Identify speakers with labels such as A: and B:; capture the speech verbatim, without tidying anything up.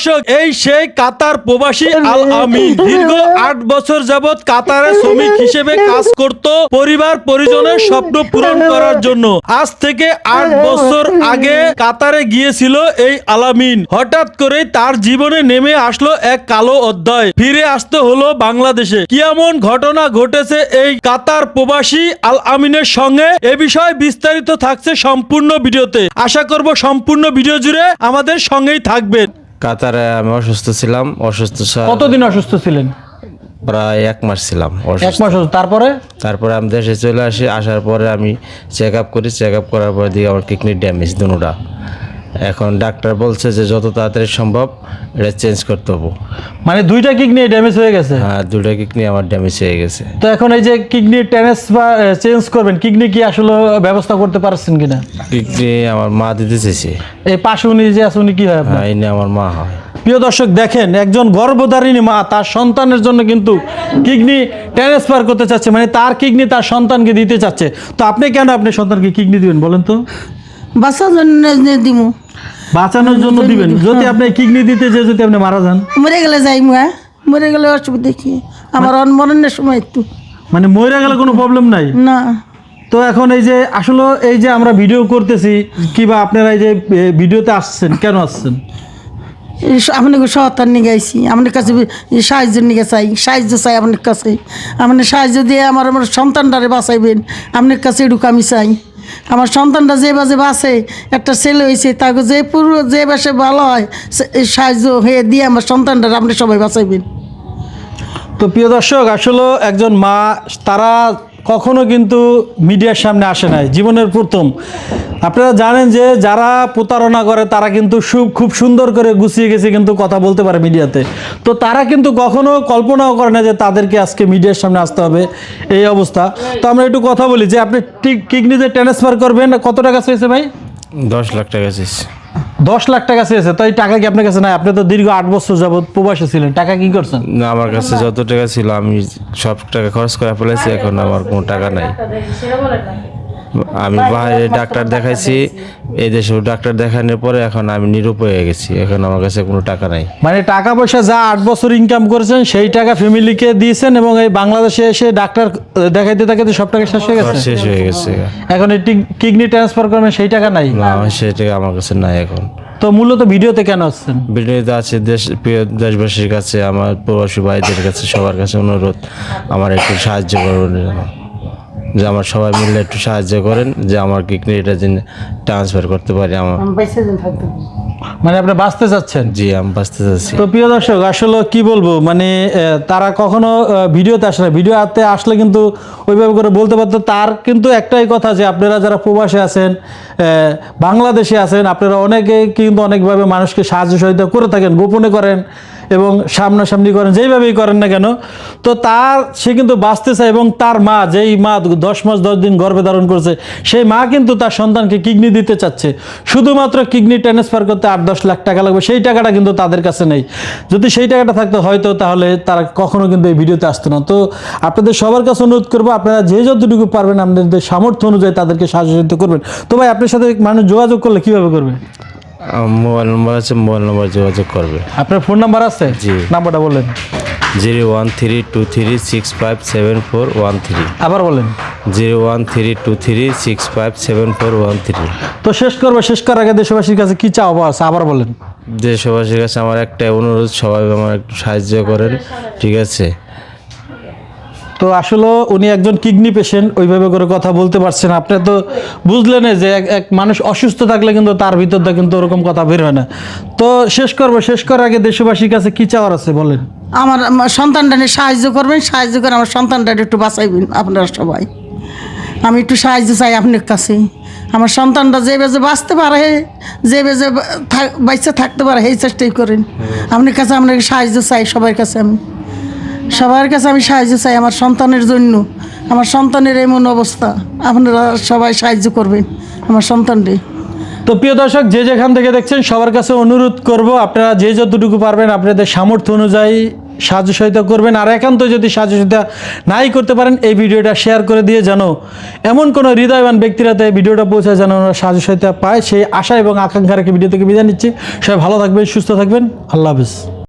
A: দর্শক, এই সেই কাতার প্রবাসী আল আমিন দীর্ঘ আট বছর যাবৎ কাতারে শ্রমিক হিসেবে কাজ করত পরিবার পরিজনের স্বপ্ন পূরণ করার জন্য। আজ থেকে আট বছর আগে কাতারে গিয়েছিল এই আলামিন। হঠাৎ করে তার জীবনে নেমে আসলো এক কালো অধ্যায়, ফিরে আসতে হলো বাংলাদেশে। কি এমন ঘটনা ঘটেছে এই কাতার প্রবাসী আল আমিনের সঙ্গে, এ বিষয়ে বিস্তারিত থাকছে সম্পূর্ণ ভিডিওতে। আশা করব সম্পূর্ণ ভিডিও জুড়ে আমাদের সঙ্গেই থাকবেন।
B: কাতারে আমি অসুস্থ ছিলাম। অসুস্থ ছিলাম
A: কতদিন অসুস্থ ছিলেন?
B: প্রায় এক মাস ছিলাম
A: এক
B: অসুস্থ।
A: মাস অসুস্থ। তারপরে
B: তারপরে আমি দেশে চলে আসি। আসার পরে আমি চেক আপ করি। চেক আপ করার পর দিকে আমার কিডনি ড্যামেজ দুটোটা। এখন ডাক্তার বলছে যে যত তাড়াতাড়ি সম্ভব এটা চেঞ্জ করতে হবে।
A: মানে দুইটা কিডনি ড্যামেজ হয়ে গেছে?
B: হ্যাঁ, দুটো কিডনি আমার ড্যামেজ হয়ে গেছে।
A: তো এখন এই যে কিডনি ট্রান্সফার চেঞ্জ করবেন, কিডনি কি আসলে ব্যবস্থা করতে পারছেন কিনা?
B: কিডনি আমার মা দিতে চেয়েছে।
A: এই পাশে উনি যে আছে উনি কি হয় আপনার?
B: হ্যাঁ, এনে আমার মা হয়।
A: প্রিয় দর্শক, দেখেন একজন গর্ভধারিণী মা তার সন্তানের জন্য কিন্তু কিডনি ট্রান্সফার করতে চাচ্ছে, মানে তার কিডনি তার সন্তানকে দিতে চাচ্ছে। তো আপনি কেন আপনি সন্তানকে কিডনি দিবেন বলেন তো?
C: বাচ্চার জন্য দিমু।
A: বাঁচানোর জন্য দিবেন? যদি আপনি কিডনি দিতে যে যদি আপনি মারা যান?
C: মরে গেলে যাই মুয়া, মরে গেলে অসুবিধা কি? আমার অনমরণের সময় একটু
A: মানে মরে গেলে কোনো প্রবলেম নাই
C: না।
A: তো এখন এই যে আসলে এই যে আমরা ভিডিও করতেছি কিবা আপনারা এই যে এ, ভিডিওতে আসছেন, কেন আসছেন?
C: আপনাকে সহায়তার নিয়ে গাইছি, আপনার কাছে সাহায্য নিয়ে চাই, সাহায্য চাই আপনার কাছে। আপনি সাহায্য দিয়ে আমার আমার সন্তানটারে বাঁচাইবেন, আপনার কাছে এটুকু আমি চাই। আমার সন্তানটা যে বাজে বাসে, একটা ছেলে হয়েছে, তাকে যে পুরো যে বাসে ভালো হয় সাহায্য হয়ে দিয়ে আমার সন্তানটারে আপনি সবাই বাঁচাইবেন।
A: তো প্রিয় দর্শক, আসলে একজন মা তারা কখনো কিন্তু মিডিয়ার সামনে আসে নাই, জীবনের প্রথম। আপনারা জানেন যে যারা প্রতারণা করে তারা কিন্তু খুব সুন্দর করে গুছিয়ে গেছে কিন্তু কথা বলতে পারে মিডিয়াতে। তো তারা কিন্তু কখনো কল্পনাও করে না যে তাদেরকে আজকে মিডিয়ার সামনে আসতে হবে, এই অবস্থা। তো আমরা একটু কথা বলি যে আপনি ঠিক কিডনি যে ট্রান্সফার করবেন, কত টাকা চেয়েছে ভাই?
B: দশ লাখ টাকা চেয়েছে।
A: দশ লাখ টাকা চেয়েছে। তো এই টাকা কি আপনার কাছে নাই? আপনি তো দীর্ঘ আট বছর যাবৎ প্রবাসে ছিলেন, টাকা কি করছেন?
B: না, আমার কাছে যত টাকা ছিল আমি সব টাকা খরচ করে ফেলেছি। এখন আমার কোনো টাকা নাই। আমি বাইরে ডাক্তার দেখাইছি, এই দেশেও ডাক্তার দেখানোর পরে এখন আমি নিরুপায় হয়ে গেছি। এখন আমার কাছে কোনো টাকা নাই।
A: মানে টাকা পয়সা যা আট বছর ইনকাম করেছেন সেই টাকা ফ্যামিলিকে দিয়েছেন এবং এই বাংলাদেশে এসে ডাক্তার দেখাইতে দেখাইতে সব টাকা শেষ হয়ে গেছে?
B: শেষ হয়ে গেছে।
A: এখন এই কিডনি ট্রান্সফার করবেন, সেই টাকা নাই?
B: না, সেই টাকা আমার কাছে নাই এখন।
A: তো মূলত ভিডিওতে কেন আসছেন?
B: ভিডিওতে আছে দেশ প্রিয় দেশবাসীর কাছে, আমার প্রবাসী ভাইদের কাছে, সবার কাছে অনুরোধ আমার একটু সাহায্য করবেন, যে আমার সবাই মিলে একটু সাহায্য করেন যে আমার কিডনিটা যেন ট্রান্সফার করতে পারি। আমার
A: মানে আপনি বাঁচতে চাচ্ছেন?
B: জি, আমি বাঁচতে চাচ্ছি।
A: তো প্রিয় দর্শক, আসলে কি বলবো, মানে তারা কখনো ভিডিওতে আসে না। ভিডিওতে আসলে কিন্তু ওইভাবে করে বলতে পারতো। তার কিন্তু একটাই কথা যে আপনারা যারা প্রবাসে আছেন, বাংলাদেশে আছেন, আপনারা অনেকে কিন্তু অনেকভাবে মানুষকে সাহায্য সহযোগিতা করে থাকেন, গোপনে করেন এবং সামনাসামনি করেন, যেইভাবেই করেন না কেন। তো তার সে কিন্তু বাঁচতে চায় এবং তার মা, যেই মা দশ মাস দশ দিন গর্ভে ধারণ করছে, সেই মা কিন্তু তার সন্তানকে কিডনি দিতে চাচ্ছে। শুধুমাত্র কিডনি ট্রান্সফার করতে আট দশ লাখ টাকা লাগবে, সেই টাকাটা কিন্তু তাদের কাছে নেই। যদি সেই টাকাটা থাকতো হয়তো তাহলে তারা কখনো কিন্তু এই ভিডিওতে আসতো না। তো আপনাদের সবার কাছে অনুরোধ করবো, আপনারা যে যতটুকু পারবেন আপনাদের সামর্থ্য অনুযায়ী তাদেরকে সাহায্য সহযোগিতা করবেন। তো ভাই, আপনার সাথে মানুষ যোগাযোগ করলে কিভাবে করবে?
B: মোবাইল নম্বর আছে, মোবাইল নম্বর যোগাযোগ করবে।
A: আপনার ফোন নাম্বার আছে?
B: জি।
A: নাম্বারটা বলেন।
B: Zero one three two three six five seven four one three.
A: আবার বলেন।
B: Zero one three two three six five seven four one three.
A: তো শেষ করবো, শেষ করার আগে দেশবাসীর কাছে কি চাওয়া আছে আবার বলেন।
B: দেশবাসীর কাছে আমার একটা অনুরোধ, সবাই আমার একটু সাহায্য করেন, ঠিক আছে?
A: তো আসলে উনি একজন কিডনি পেশেন্ট, ওইভাবে করে কথা বলতে পারছেন। আপনি তো বুঝলেন যে এক এক মানুষ অসুস্থ থাকলে কিন্তু তার ভিতরটা কিন্তু ওরকম কথা বের হয় না। তো শেষ করবো, শেষ করার আগে দেশবাসীর কাছে কি চাওয়ার আছে বলেন।
C: আমার আমার সন্তানটা নিয়ে সাহায্য করবেন, সাহায্য করে আমার সন্তানটা একটু বাঁচাইবেন আপনারা সবাই। আমি একটু সাহায্য চাই আপনার কাছে। আমার সন্তানটা যে বেজে বাঁচতে পারে, যে বেজে বাচ্চা থাকতে পারে, সেই চেষ্টাই করেন। আপনার কাছে আপনাকে সাহায্য চাই, সবার কাছে আমি সবার কাছে আমি সাহায্য চাই আমার সন্তানের জন্য। আমার সন্তানের এমন অবস্থা, আপনারা সবাই সাহায্য করবেন আমার সন্তানকে।
A: তো প্রিয় দর্শক, যে যেখান থেকে দেখছেন সবার কাছে অনুরোধ করব, আপনারা যে যতটুকু পারবেন আপনাদের সামর্থ্য অনুযায়ী সাহায্য সহায়তা করবেন। আর একান্ত যদি সাহায্য সহায়তা নাই করতে পারেন, এই ভিডিওটা শেয়ার করে দিয়ে যেন এমন কোনো হৃদয়বান ব্যক্তিরাতে এই ভিডিওটা পৌঁছায় যেন ওরা সাহায্য সহায়তা পায়, সেই আশা এবং আকাঙ্ক্ষা রেখে ভিডিও থেকে বিদায় নিচ্ছি। সবাই ভালো থাকবেন, সুস্থ থাকবেন, আল্লাহ হাফিজ।